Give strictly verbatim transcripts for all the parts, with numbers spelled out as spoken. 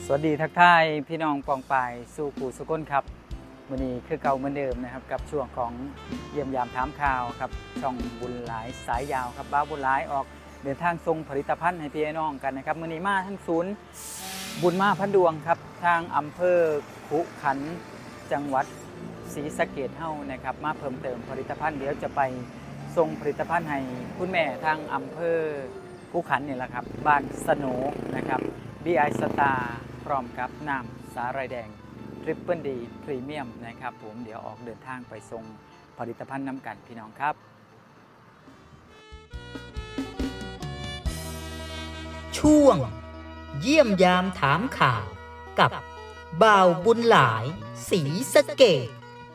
สวัสดีทักทายพี่น้องปองปายสู่ปู่สุก้นครับวันนี้คือเก่าเหมือนเดิมนะครับกับช่วงของเยี่ยมยามถามข่าวครับช่องบุญหลายสายยาวครับบ้าบุญหลายออกเดินทางทรงผลิตภัณฑ์ให้พี่น้องกันนะครับวันนี้มาทั้งศูนย์บุญมาพันดวงครับทางอำเภอขุขันธ์จังหวัดศรีสะเกษเฮ้านะครับมาเพิ่มเติมผลิตภัณฑ์เดี๋ยวจะไปทรงผลิตภัณฑ์ให้คุณแม่ทางอำเภอขุขันธ์นี่แหละครับบ้านสโนนะครับ บี ไอ Star พร้อมกับน้ำสาหร่ายแดง Triple D พรีเมียมนะครับผมเดี๋ยวออกเดินทางไปส่งผลิตภัณฑ์น้ำกันพี่น้องครับช่วงเยี่ยมยามถามข่าวกับบ่าวบุญหลายศรีสะเกษ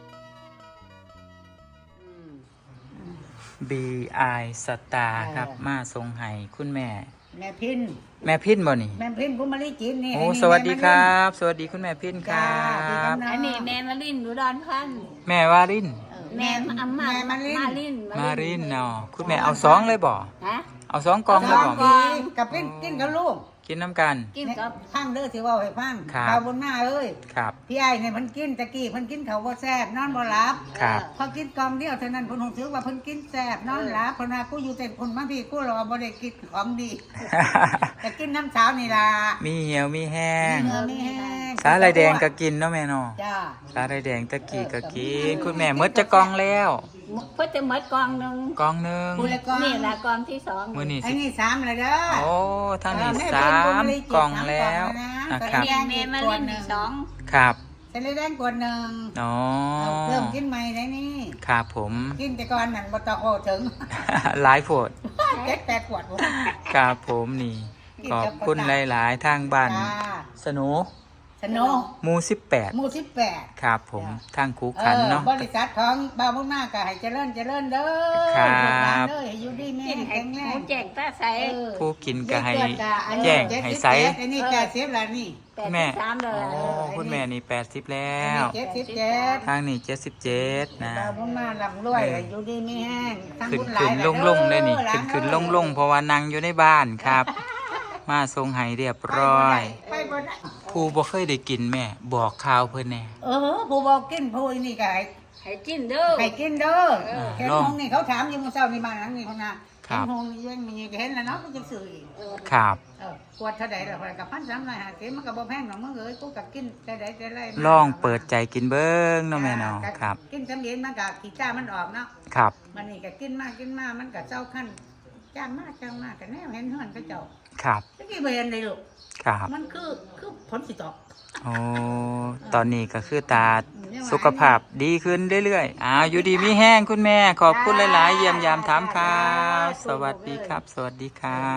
บี ไอ Star ครับมาส่งให้คุณแม่แม่พินแม่พินบ่นี่แม่พินผมมาลีกินนี่โอ้สวัสดีครับ สวัสดีคุณแม่พินครับอันนี้แม่มาลินดูดอนพันแม่วารินแม่อำมาแม่มาลินมาลินมารินเนาะคุณแม่เอาสองเลยบ่ฮะเอาสองกล่องเลยบ่กับกินกินกับลูกกินน้ำกันกินกับพังเด้อสิว่าให้พังครับข้าวบนหน้าเอ้ยครับพี่ไอ้เนี่ยเพิ่นกินตะกี้เพิ่นกินข้าวบ่แซ่บนอนบ่หลับครับพอกินกล่องเดียวเท่านั้นเพิ่นคงถือว่าเพิ่นกินแซ่บนอนหลับเพิ่นว่ากูอยู่แต่คนมาพี่กูรอบ่ได้กินของดีแต่กินน้ำเช้านี่ล่ะมีเหี่ยวมีแห้งมีเหือมีแห้งสาหร่ายแดงก็กินเนาะแม่เนาะจ้าสาหร่ายแดงตะกี้ก็กินคุณแม่หมดจะกล่องแล้วเพื่อจะหมดกองหนึ่งกล่องหนึงผู้ละกล่องนี่แหละกองที่สองมื้อนี้ไอ้สินี่สามเลยเด้อโอ้ทางนี้เออแม่สามเป็นบุญบริจิตรกล่องแล้วสามนะกล่องแล้วนะครับเมียเมียมาเล่นอีกสองครับเสร็จแล้วได้กวดหนึ่งอ๋อเอาเริ่มกินใหม่ได้นี่ครับผมกินแต่ก่อนนั่นบ่ต้องโอ้ถึงหลายโพดเจ็ดแปดขวดบ่ครับผมนี่ขอบคุณหลายๆทางบ้านจ้าสนุสโนหมู่สิบแปดหมู่สิบแปดครับผมทางคูเอขันอเนาะบริษัทของบ่าวมุ่งหน้าก็ให้เจริญเจริญเด้อครับลูกหลานเด้อให้อยู่ดีแม่กินให้แข็งแรหมูงแจกตาใสเออผู้กินก็ให้เจ็ดเกิดอันนี้แจ้งเจ็ดให้สิบใสเจ็ดอันนี้แปดสิบแล้วนี่แปดแม่สิบสามเลยโอ้คุณแม่นี่แปดสิบแล้อันวนี้เจ็ดสิบเจ็ดทางนี้เจ็ดสิบเจ็ดนะบ่าวมุ่งหน้าลำรวยให้อยู่ดีไม่แห้งทั้งขึ้นบุญหลาขึ้ยนหลลายงเด้อลงได้นี่หลาขึ้นขึ้นเอ้ยลงลงเพราะว่านั่งอยู่ในบ้านครับ มาทรงไห้เรียบร้อยไปบ่ได้ผู้บ่เคยได้กินแม่ บอกข่าวเพิ่นแน่เออผู้บอกกินผู้นี่ก็ให้ให้กินเด้อให้กินเด้อเออเห็นลองหงนี่เขาถามอยู่เมื่อเช้านี่มาหลังนี่คนน่ะครัเห็นบหงนี่ยังมีเห็นแล้วเนาะก็จะซื้ออีกครับเออขวดเท่าใดล่ะกับพันสามร้อยห้าสิบมันก็บ่แพงหรอกมึงเอ้ยกูก็กินแต่ใดแต่ไรมาลองเปิดใจกินเบิ่งเนาะแม่เนาะครับกินจำเย็นมันก็ขี้จ้ามันออกเนาะครับมันนี่ก็กินมากกินมากมันก็เจ้าขั้นจ้างมากจ้างมากก็แนวเห็นเฮือนเขาเจ้าครับตะกี้บ่เห็นเลยลูกครับมันคือคือผลสิตกโอ้ตอนนี้ก็คือตาสุขภาพดีขึ้นเรื่อยๆอ้าวอยู่ดีมีแห้งคุณแม่ ขอบคุณหลายๆ เยี่ยมยามถามข่าว สวัสดีครับ สวัสดีครับ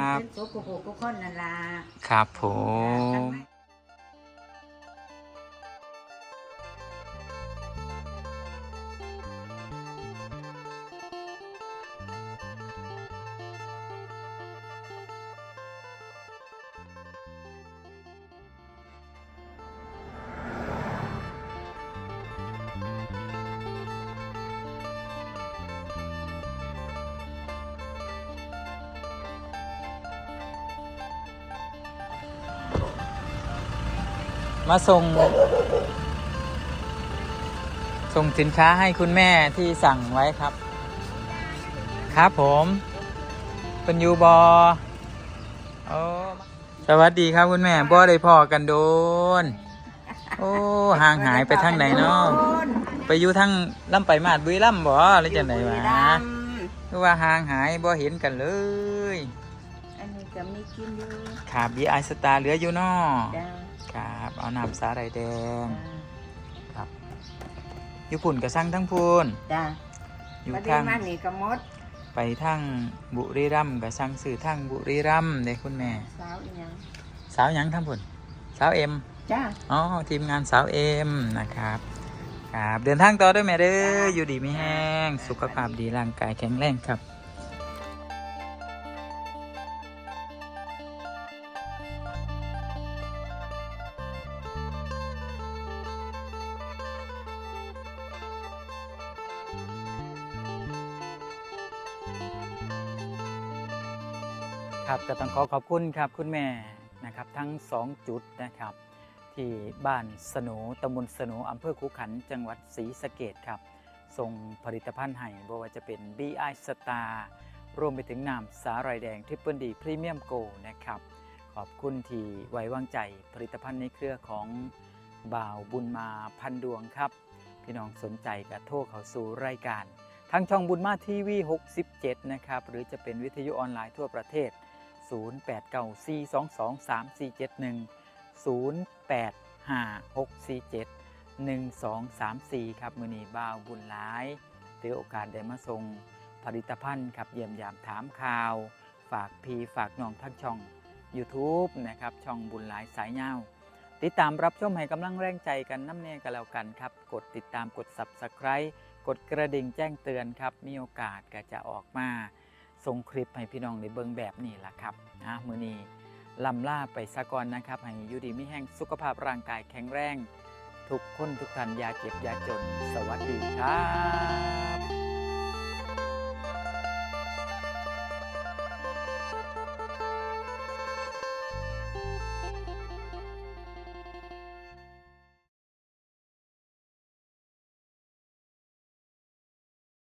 เป็นสุขผู้ทุกคนนั่นล่ะครับผม มาส่ง ส่งสินค้าให้คุณแม่ที่สั่งไว้ครับ ครับผมเป็นยูบอโอ้สวัสดีครับคุณแม่บ่ได้พอกันโดน โอ้ห่างหายไปทางไหนเนาะไปอยู่ทางลำไปมาดบุรีรัมย์บ่หรือจังไหนวะคือว่าห่างหายบ่เห็นกันเลยอันนี้ก็มีกินอยู่ขาบีไอสตาร์เหลืออยู่เนาะจ้าครับเอาน้ำสาหร่ายแดงครับญี่ปุ่นก็สั่งทั้งพูนจ้าอยู่ประเดี๋ยทาว งมานี่ก็หมดไปทางบุรีรัมย์ก็สั่งซื้อทางบุรีรัมย์เด้คุณแม่สาวอีหยังสาวหยังทั้งพูนสาวเอ็มจ้าอ๋อทีมงานสาวเอ็มนะครับครับเดินทางต่อด้วยแม่เด้ออยู่ดีไม่แห้งสุขภาพดีร่างกายแข็งแรงครับ ครับก็ต้องขอขอบคุณครับคุณแม่นะครับทั้งสองจุดนะครับที่บ้านสนูตำบลสนูอำเภอขุขันธ์จังหวัดศรีสะเกษครับส่งผลิตภัณฑ์ให้บ่ว่าจะเป็น บี ไอ Star รวมไปถึงน้ำสาหร่ายแดงทริปเปิลดีพรีเมียมโกนะครับขอบคุณที่ไว้วางใจผลิตภัณฑ์ในเครือของบ่าวบุญมาพันดวงครับพี่น้องสนใจก็โทรเข้าสู่รายการทางช่องบุญมาทีวีหกสิบเจ็ดนะครับหรือจะเป็นวิทยุออนไลน์ทั่วประเทศศูนย์ แปด เก้า สี่ สอง สอง สาม สี่ เจ็ด หนึ่ง ศูนย์ แปด ห้า หก สี่ เจ็ด หนึ่ง สอง สาม สี่ครับมื้อนี้บ่าวบุญหลายถือโอกาสได้มาส่งผลิตภัณฑ์ครับเยี่ยมยามถามข่าวฝากพี่ฝากน้องทั้งช่อง YouTube นะครับช่องบุญหลายสายยาวติดตามรับชมให้กำลังแรงใจกันน้ำเนกันแล้วกันครับกดติดตามกด Subscribe กดกระดิ่งแจ้งเตือนครับมีโอกาสก็จะออกมาส่งคลิปให้พี่น้องได้เบิ่งแบบนี้ล่ะครับนะมื้อนี้ลำล่าไปซะก่อนนะครับให้อยู่ดีมีแห้งสุขภาพร่างกายแข็งแรงทุกคนทุกท่านอย่าเจ็บอย่าจนสวัสดีครับ